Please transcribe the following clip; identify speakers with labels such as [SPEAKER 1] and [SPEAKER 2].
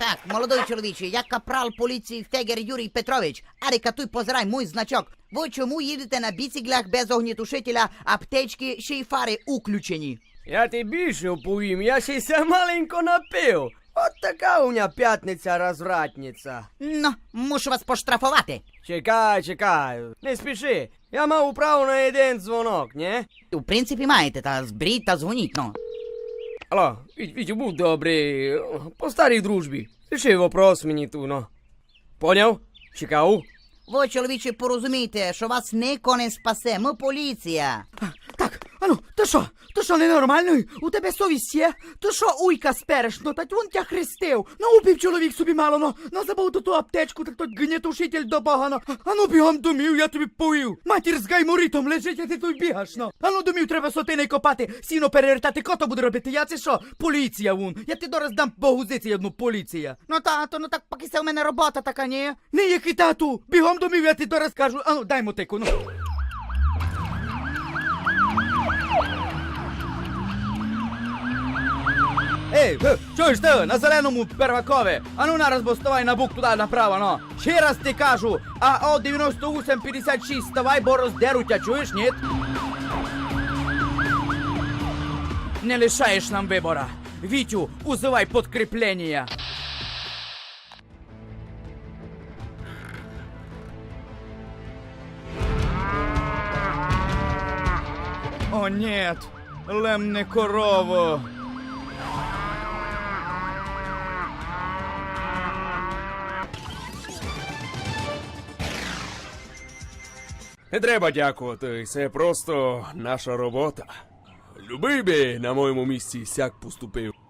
[SPEAKER 1] Так, молодой чоловіче, я капрал поліції Фегер Юрій Петрович. Арика, туй позирай, мой значок. Ви чому їдете на біциклях без огнітушителя, аптечки, ще й фари уключені?
[SPEAKER 2] Я ти більше оповім, я ще й ся маленько напив. От така у мене п'ятниця розвратниця.
[SPEAKER 1] Ну, мушу вас поштрафувати.
[SPEAKER 2] Чекай, не спіши. Я мав право на один дзвонок, не?
[SPEAKER 1] У принципі маєте, та зберіть та дзвоніть, ну.
[SPEAKER 2] Алло, Вітю, будь добрий, по старій дружбі. Ріши вопрос мені ту, ну. Поняв? Чекав?
[SPEAKER 1] Ви, чоловіче, порозумійте, що вас ніхто не спасе, ми поліція.
[SPEAKER 3] Так, ану, то що ненормальний? У тебе совість є? То що уйка спереш? Ну, та він тя хрестив. Ну, упів чоловік собі мало, ну, забув ту аптечку, так той гнітушитель до багано. Ану, бігом домів, я тобі повів. Матір з гайморитом лежить, а ти тут бігаш, ну. Ану, домів треба сотини копати, сіно перевертати, кото буде робити. Я це що? Поліція вон. Я ти дораз дам по гузиці одну поліція.
[SPEAKER 1] Ну, тато, ну так поки це у мене робота така, ні?
[SPEAKER 3] Не який тату, бігом домів, я ти дораз кажу. Ану, дай мотику, ну. Ей, чуєш ти, на зеленому первакове, а ну нараз бо ставай на бук туди направо, ну. Ще раз ти кажу, а о 9856 ставай, бо роздеру тя, чуєш, ні? Не лишаєш нам вибора. Вітю, узивай подкріплення. О, нет, лемне корово.
[SPEAKER 4] Не треба дякувати, це просто наша робота. Любий би на моєму місці сяк поступив.